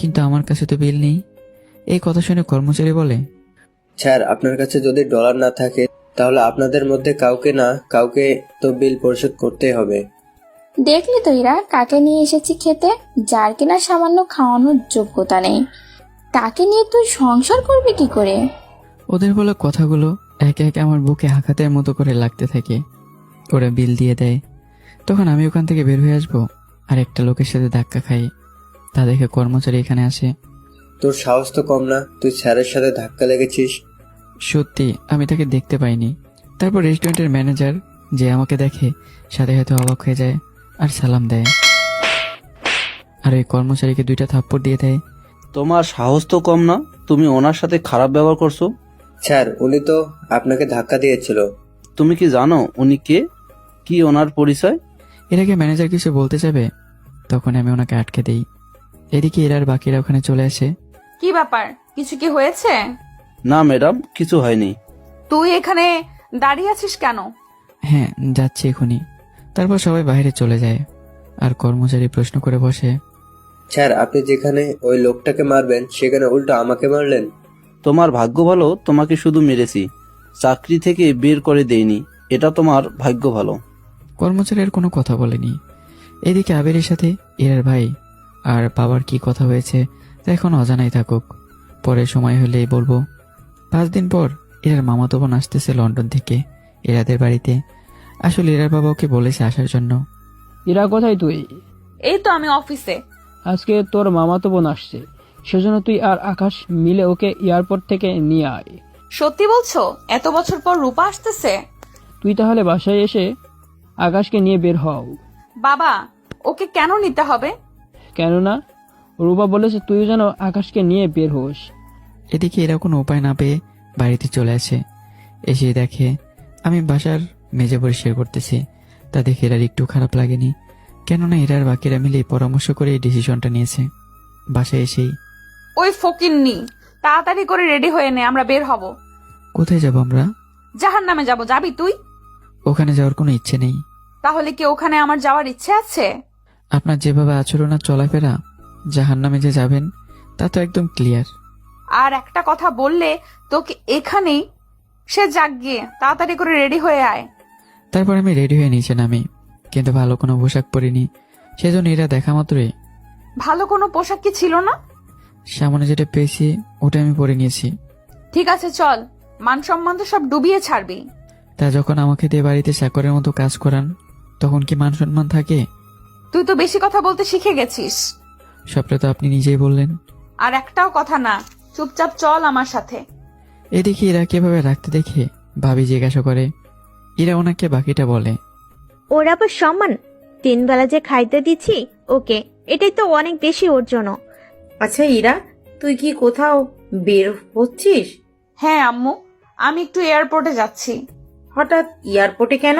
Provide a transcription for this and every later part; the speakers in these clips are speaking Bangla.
কিন্তু আমার কাছে তো বিল নেই। এই কথা শুনে কর্মচারী বলে, স্যার, আপনার কাছে যদি ডলার না থাকে তাহলে আপনাদের মধ্যে কাউকে না কাউকে তো বিল পরিশোধ করতেই হবে। দেখলি তো ইরা, কাকে নিয়ে এসেছি খেতে, যার কিনা সামান্য খাওয়ানোর যোগ্যতা নেই। তাকে নিয়ে তুই সংসার করবি কি করে? ওদের বলা কথাগুলো একে একে আমার বুকে আঘাতের মতো করে লাগতে থাকে। ওরা বিল দিয়ে দেয়। তখন আমি ওখান থেকে বের হয়ে আসবো আর একটা লোকের সাথে ধাক্কা খাই। তা দেখে কর্মচারী এখানে আসে। তোর সাহস তো কম না, তুই স্যারের সাথে ধাক্কা লেগেছিস। সত্যি আমি তাকে দেখতে পাইনি। তারপর রেস্টুরেন্টের ম্যানেজার যে আমাকে দেখে সাথে সাথে অবাক হয়ে যায় আর সালাম দেয়, আর ওই কর্মচারীকে 2টা থাপ্পড় দিয়ে দেয়। তোমার সাহস তো কম না, তুমি ওনার সাথে খারাপ ব্যবহার করছো। স্যার, উনি তো আপনাকে ধাক্কা দিয়েছিল। তুমি কি জানো উনি কে, কি ওনার পরিচয়? এর আগে ম্যানেজার কিছু বলতে যাবে, তখন আমি ওনাকে আটকে দেই। এদিকে এরার বাকিরা ওখানে চলে আসে। কি ব্যাপার, কিছু কি হয়েছে? না ম্যাডাম, কিছু হয়নি। তুই এখানে দাঁড়িয়ে আছিস কেন? হ্যাঁ, যাচ্ছি এখনই। তারপর সবাই বাইরে চলে যায় আর কর্মচারী প্রশ্ন করে বসে, স্যার, আপনি যেখানে ওই লোকটাকে মারবেন সেখানে উল্টো আমাকে মারলেন। তোমার ভাগ্য ভালো, তোমাকে শুধু মেরেছি, চাকরি থেকে বের করে দেইনি। এটা তোমার ভাগ্য ভালো। কর্মচারীর কোনো কথা বলেনি। এদিকে আবিরের সাথে এরার ভাই আর বাবার কি কথা হয়েছে তা এখন অজানাই থাকুক, পরে সময় হলেই বলবো। 5 দিন পর এরার মামাতো বোন আসতেছে লন্ডন থেকে এরাদের বাড়িতে। আসলে এরার বাবা ওকে বলেছে আসার জন্য। ইরা, কোথায় তুই? এই তো আমি অফিসে। আজকে তোর মামাতো বোন আসছে, সেজন্য তুই আর আকাশ মিলে ওকে এয়ারপোর্ট থেকে নিয়ে আয়। সত্যি বলছো? এত বছর পর রূপা আসতেছে? তুই তাহলে বাসায় এসে আকাশকে নিয়ে বের হও। বাবা, ওকে কেন নিতে হবে? কেননা রূপা বলেছে তুই যেন আকাশকে নিয়ে বের হোস। এদিকে এরা কোনো উপায় না পেয়ে বাড়িতে চলে আসে। এসে দেখে আমি বাসার মেঝে পরিষ্কার করতেছি। তা দেখে এরার একটু খারাপ লাগেনি, কেননা এরার বাকিরা মিলে পরামর্শ করে এই ডিসিশনটা নিয়েছে। বাসায় এসেই, ওই ফকিন্নি, তাড়াতাড়ি করে রেডি হয়ে নে, আমরা বের হব। কোথায় যাব আমরা? জাহান্নামে যাব। যাবি তুই? ওখানে যাওয়ার কোনো ইচ্ছে নেই। তাহলে কি ওখানে আমার যাওয়ার ইচ্ছে আছে? আপনার যেভাবে আচরণ আর চলাফেরা, জাহান্নামে যে যাবেন তা তো একদম ক্লিয়ার। আর একটা কথা বললে তোকে এখানেই। সে যাক, গিয়ে তাড়াতাড়ি করে রেডি হয়ে আয়। তারপর আমি রেডি হয়ে নিচে নামি, কিন্তু ভালো কোনো পোশাক পরিনি। সেজন্য এরা দেখা মাত্রই ভালো কোনো পোশাক কি ছিল না? সামনে যেটা পেয়েছি ওটা আমি পরে নিয়েছি। ঠিক আছে, চল। মান সম্মান তো সব ডুবিয়ে ছাড়বি। তা যখন আমাকে দিয়ে বাড়িতে চাকরের মতো কাজ করান, তখন কি মান সম্মান থাকে? তুই তো বেশি কথা বলতে শিখে গেছিস। সবটা তো আপনি নিজেই বললেন। আর একটাও কথা না, চুপচাপ চল আমার সাথে। এদিকে এরা কিভাবে রাখতে দেখে ভাবি জিজ্ঞাসা করে। এরা ওনাকে বাকিটা বলে। ওর আবার সম্মান, 3 বেলা যে খাইতে দিচ্ছি ওকে, এটাই তো অনেক বেশি ওর জন্য। আচ্ছা ইরা, তুই কি কোথাও বের হচ্ছিস? হ্যাঁ আম্মু, আমি একটু এয়ারপোর্টে যাচ্ছি। হঠাৎ এয়ারপোর্টে কেন?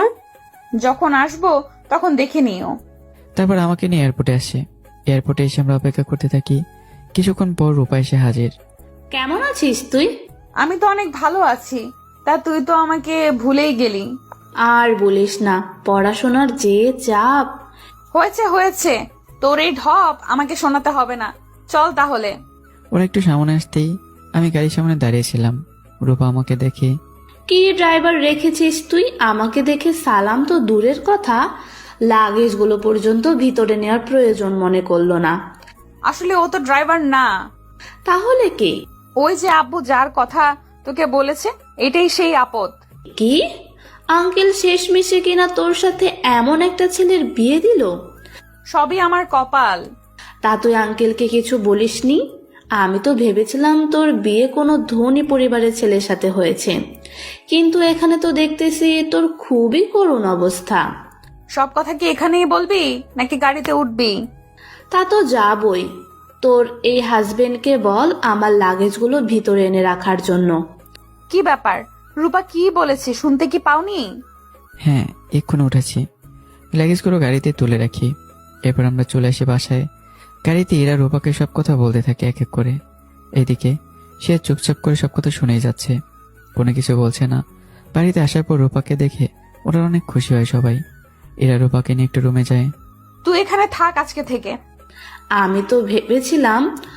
যখন আসবো তখন দেখে নিও। তারপর আমাকে নিয়ে এয়ারপোর্টে আসে। এয়ারপোর্টে এসে আমরা অপেক্ষা করতে থাকি। কিছুক্ষণ পর রূপা এসে হাজির। কেমন আছিস তুই? আমি তো অনেক ভালো আছি। তা তুই তো আমাকে ভুলেই গেলি। আর বলিস না, পড়াশোনার যে চাপ। হয়েছে হয়েছে, তোর এই ঢপ আমাকে শোনাতে হবে না। চল তাহলে। ওরা একটু সামনে আসতেই আমি গাড়ির সামনে দাঁড়িয়েছিলাম। রূপা আমাকে দেখে, কি ড্রাইভার রেখেছিস তুই? আমাকে দেখে সালাম তো দূরের কথা, লাগেজগুলো পর্যন্ত ভিতরে নেওয়ার প্রয়োজন মনে করলো না। আসলে ও তো ড্রাইভার না। তাহলে কে? ওই যে আব্বু যার কথা তোকে বলেছে, এটাই সেই আপদ। কি আঙ্কেল শেষমেশে কিনা তোর সাথে এমন একটা ছেলের বিয়ে দিল? সবই আমার কপাল। তা তুই আঙ্কেলকে কিছু বলিসনি? আমি তো ভেবেছিলাম তোর বিয়ে কোনো ধনী পরিবারের ছেলের সাথে হয়েছে, কিন্তু এখানে তো দেখতেছি তোর খুবই করুণ অবস্থা। সব কথা কি এখানেই বলবি নাকি গাড়িতে উঠবি? তা তো যাবই। তোর এই হাজবেন্ডকে বল আমার লাগেজগুলো ভিতরে এনে রাখার জন্য। কি ব্যাপার, রূপা কি বলেছে শুনতে কি পাওনি? হ্যাঁ এক্ষুনি উঠেছি। লাগেজগুলো গাড়িতে তুলে রাখি। এরপর আমরা চলে আসি বাসায়। গাড়িতে এরা রূপাকে সব কথা বলতে থাকে এক এক করে। এদিকে সে চুপচাপ করে সব কথা শুনেই যাচ্ছে, কোনো কিছু বলছে না। বাড়িতে আসার পর রূপাকে দেখে ওরা অনেক খুশি হয় সবাই। এরা রূপাকে নিয়ে একটু রুমে যায়। তুই এখানে থাক আজকে থেকে। আমি তো ভেবেছিলাম